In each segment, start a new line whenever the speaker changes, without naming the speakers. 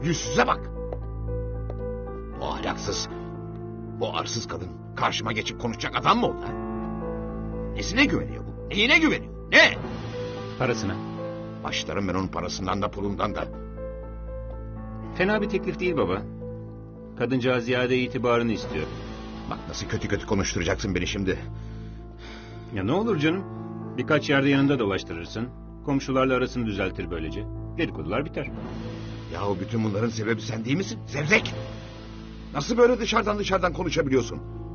yüzsüze bak. Bu ahlaksız, bu arsız kadın karşıma geçip konuşacak adam mı oldu ha? Nesine güveniyor bu? Neyine güveniyor? Ne?
Parasına.
Başlarım ben onun parasından da pulundan da.
Fena bir teklif değil baba. Kadıncağız ziyade itibarını istiyor.
Bak nasıl kötü kötü konuşturacaksın beni şimdi.
Ya ne olur canım. Birkaç yerde yanında dolaştırırsın. Komşularla arasını düzeltir böylece. Dedikodular biter.
Yahu bütün bunların sebebi sen değil misin? Zevzek! Nasıl böyle dışarıdan konuşabiliyorsun?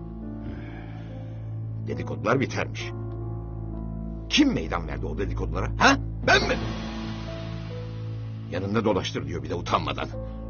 Dedikodular bitermiş. Kim meydan verdi o dedikodulara? Ha? Ben mi? Yanında dolaştır diyor bir de utanmadan.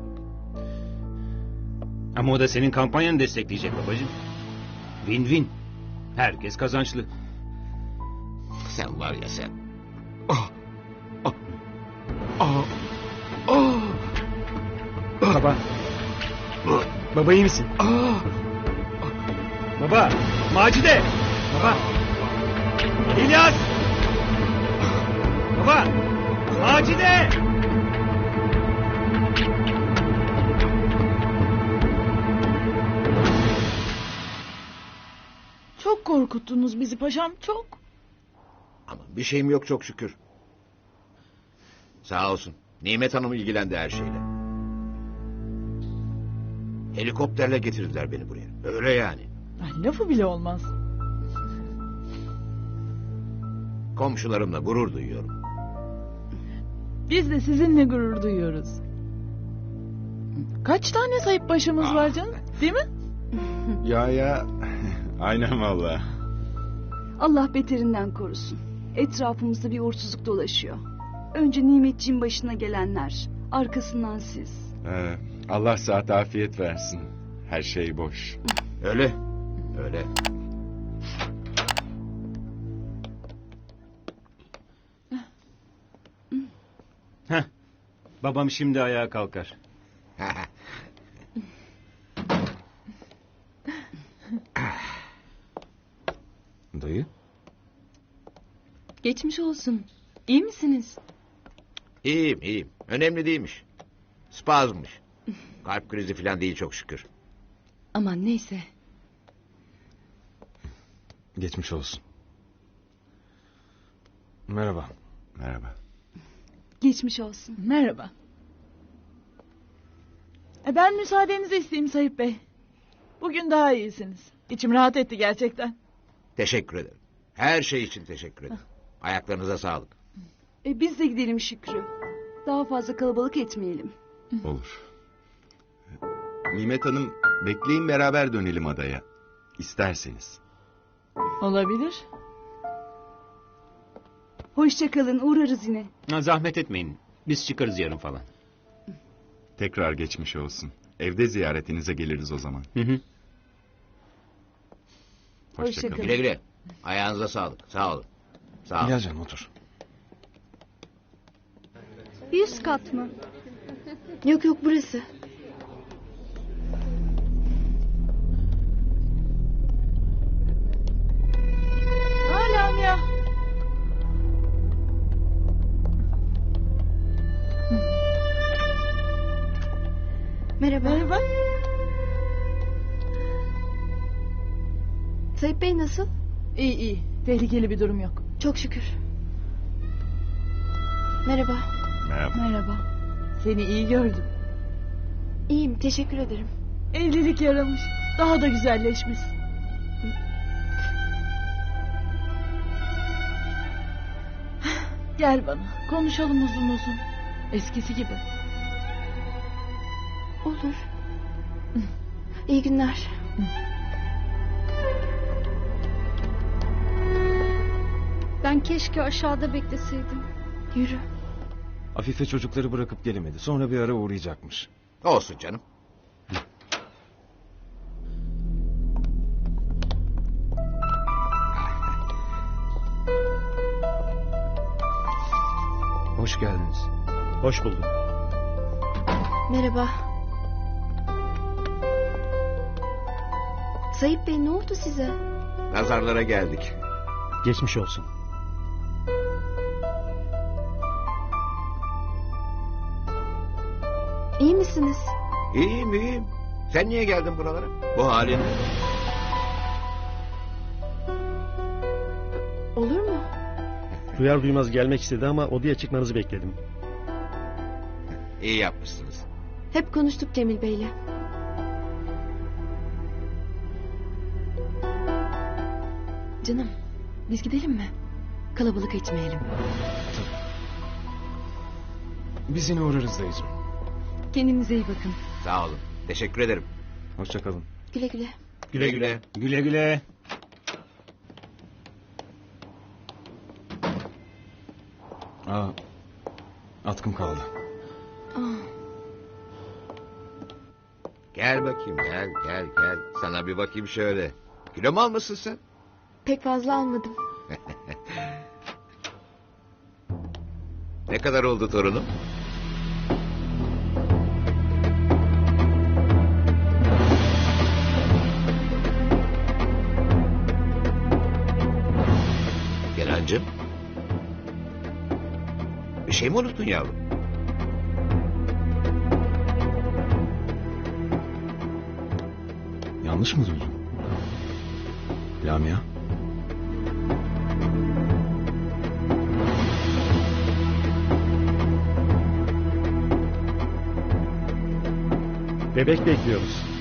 Ama o da senin kampanyanı destekleyecek babacığım. Win-win. Herkes kazançlı.
Sen var ya sen. Ah! Ah! Ah! Ah!
Baba. Baba iyi misin?
Ah!
Baba. Macide. Baba. İlyas. Baba. Macide.
Çok korkuttunuz bizi paşam, çok.
Ama bir şeyim yok çok şükür. Sağ olsun. Nimet Hanım ilgilendi her şeyle. Helikopterle getirdiler beni buraya. Öyle yani.
Ay, lafı bile olmaz.
Komşularımla gurur duyuyorum.
Biz de sizinle gurur duyuyoruz. Kaç tane sayıp başımız var canım, değil mi?
Ya. Aynen valla.
Allah beterinden korusun. Etrafımızda bir uğursuzluk dolaşıyor. Önce Nimetciğin başına gelenler, arkasından siz.
Allah sıhhat afiyet versin. Her şey boş.
Öyle. Öyle.
Heh. Babam şimdi ayağa kalkar.
Dayı?
Geçmiş olsun. İyi misiniz?
İyiyim. Önemli değilmiş. Spazmmış. Kalp krizi falan değil çok şükür.
Aman neyse.
Geçmiş olsun. Merhaba. Merhaba.
Geçmiş olsun.
Merhaba. Ben müsaadenizi isteyeyim Sayıp Bey. Bugün daha iyisiniz. İçim rahat etti gerçekten.
Teşekkür ederim. Her şey için teşekkür ederim. Ayaklarınıza sağlık.
Biz de gidelim Şükrü. Daha fazla kalabalık etmeyelim.
Olur. Nimet Hanım, bekleyin beraber dönelim adaya. İsterseniz.
Olabilir.
Hoşça kalın, uğrarız yine.
Ha, zahmet etmeyin. Biz çıkarız yarın falan.
Tekrar geçmiş olsun. Evde ziyaretinize geliriz o zaman.
Hı.
Hoşça
Hoşça
kalın.
kalın.
Güle güle. Ayağınıza sağlık. Sağ olun. Sağ olun.
Gel canım otur.
100 kat mı? Yok burası.
Hala ya.
Merhaba.
Merhaba.
Sayıp Bey nasıl?
İyi. Tehlikeli bir durum yok.
Çok şükür. Merhaba.
Merhaba.
Merhaba. Seni iyi gördüm.
İyiyim, teşekkür ederim.
Evlilik yaramış. Daha da güzelleşmiş. Gel bana. Konuşalım uzun uzun. Eskisi gibi.
Olur. İyi günler. Ben keşke aşağıda bekleseydim. Yürü.
Afife çocukları bırakıp gelemedi. Sonra bir ara uğrayacakmış.
Olsun canım.
Hoş geldiniz.
Hoş bulduk.
Merhaba. Sayıp Bey ne oldu size?
Nazarlara geldik.
Geçmiş olsun.
İyi misiniz?
misiniz?
İyiyim iyiyim. Sen niye geldin buralara? Bu halin.
Olur mu?
Duyar duymaz gelmek istedi ama odaya çıkmanızı bekledim.
İyi yapmışsınız.
Hep konuştuk Cemil Bey'le.
Canım biz gidelim mi? Kalabalık etmeyelim.
Biz yine uğrarız dayıcığım.
Kendinize iyi bakın.
Sağ olun. Teşekkür ederim.
Hoşça kalın.
Güle güle.
Güle güle.
Güle güle.
Aa, atkım kaldı.
Gel bakayım gel. Sana bir bakayım şöyle. Kilo mu almışsın sen?
Pek fazla almadım.
Ne kadar oldu torunum? Kenancığım. Bir şey mi unuttun yavrum?
Yanlış mı duydum? Lamia?
Bebek bekliyoruz.